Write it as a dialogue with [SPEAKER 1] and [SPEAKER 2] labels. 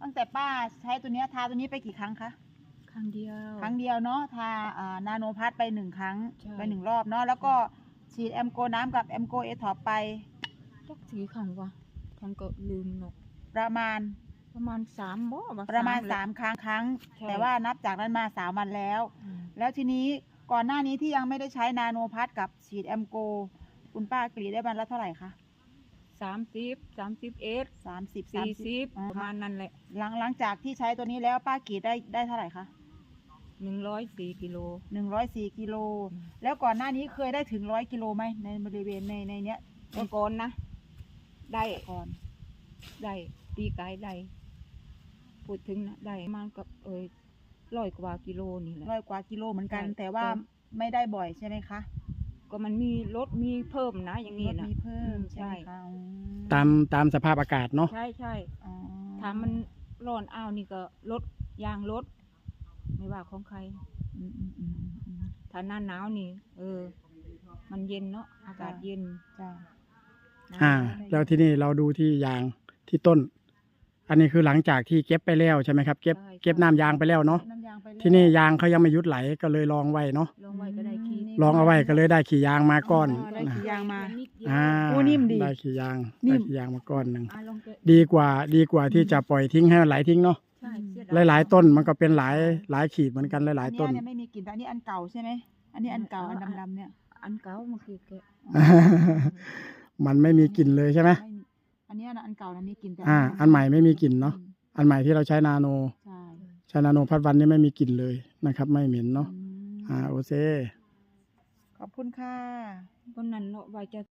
[SPEAKER 1] ตั้งแต่ป้าใช้ตัวเนี้ยทาตัวนี้ไปกี่ครั้งคะ
[SPEAKER 2] ครั้งเดียว
[SPEAKER 1] เนาะทานาโนพัทไป1 ครั้งไป1 รอบเนาะแล้วก็ฉีดแอมโกน้ำกับแอมโกเอทอปไป
[SPEAKER 2] จักกี่ครั้งวะครั้งก็ลืมเนาะ
[SPEAKER 1] ประมาณ
[SPEAKER 2] 3บ่
[SPEAKER 1] ประมาณ3 ครั้งแต่ว่านับจากนั้นมา3 วันแล้วทีนี้ก่อนหน้านี้ที่ยังไม่ได้ใช้นาโนพัทกับฉีดแอมโกคุณป้ากรีดได้วันละเท่าไหร่คะ
[SPEAKER 2] 30 31
[SPEAKER 1] 30
[SPEAKER 2] 40ประมาณนั้นแหละ
[SPEAKER 1] หลังจากที่ใช้ตัวนี้แล้วป้ากรีดได้เท่าไหร่คะ
[SPEAKER 2] 104 กิโล
[SPEAKER 1] 104 กิโลแล้วก่อนหน้านี้เคยได้ถึง100 กิโลไหมในบริเวณในเนี้ย
[SPEAKER 2] ก่อนนะได้
[SPEAKER 1] ก่อน
[SPEAKER 2] ได้ตีไกด์ได้พูดถึงนะได้มันกับ100 กว่ากิโลนี่แหละ
[SPEAKER 1] 100 กว่ากิโลเหมือนกันแต่ว่าไม่ได้บ่อยใช่ไหมคะ
[SPEAKER 2] ก็มันมีลดมีเพิ่มนะอย่างนี้นะ
[SPEAKER 1] มีเพิ่มใช่ค่ะ
[SPEAKER 3] ตามสภาพอากาศเนาะ
[SPEAKER 2] ใช่ถ้ามันร้อนอ้าวนี่ก็ลดยางลดไม่ว่าของใครถ้าหน้าหนาวนี่มันเย็นเนาะอากาศเย็น
[SPEAKER 3] แล้วที่นี่เราดูที่ยางที่ต้นอันนี้คือหลังจากที่เก็บไปแล้วใช่ไหมครับเก็บน้ำยางไปแล้วเนาะที่นี่ยางเขายังไม่หยุดไหลก็เลยลองไว้เนาะ
[SPEAKER 2] ลองไว้ก็ได้ขี่
[SPEAKER 3] ลองเอาไว้ก็เลยได้ขี่ยางมาก้อน
[SPEAKER 1] ได้ขี่ยางมา
[SPEAKER 3] นิ่มดีได้ขี่ยางมาก้อนหนึ่งดีกว่าที่จะปล่อยทิ้งให้มันไหลทิ้งเนาะหลายต้นมันก็เป็นหลายขีดเหมือนกันหลายต้น
[SPEAKER 1] ไม่มีกลิ่นแต่อันนี้อันเก่าใช่ไหมอันนี้อันเก่าอันดำๆเนี่ย
[SPEAKER 2] อันเก่ามันคือ
[SPEAKER 3] มันไม่มีกลิ่นเลยใช่ไหม
[SPEAKER 1] อันนี้อันเก่าอันนี้กลิ่นแต่
[SPEAKER 3] อันใหม่ไม่มีกลิ่นเนาะอันใหม่ที่เราใช้นาโนใช้นาโนพัดวันนี้ไม่มีกลิ่นเลยนะครับไม่เหม็นเนาะโอเค
[SPEAKER 1] ขอบคุณค่ะ
[SPEAKER 2] วันนั้นเนาะไว้จะ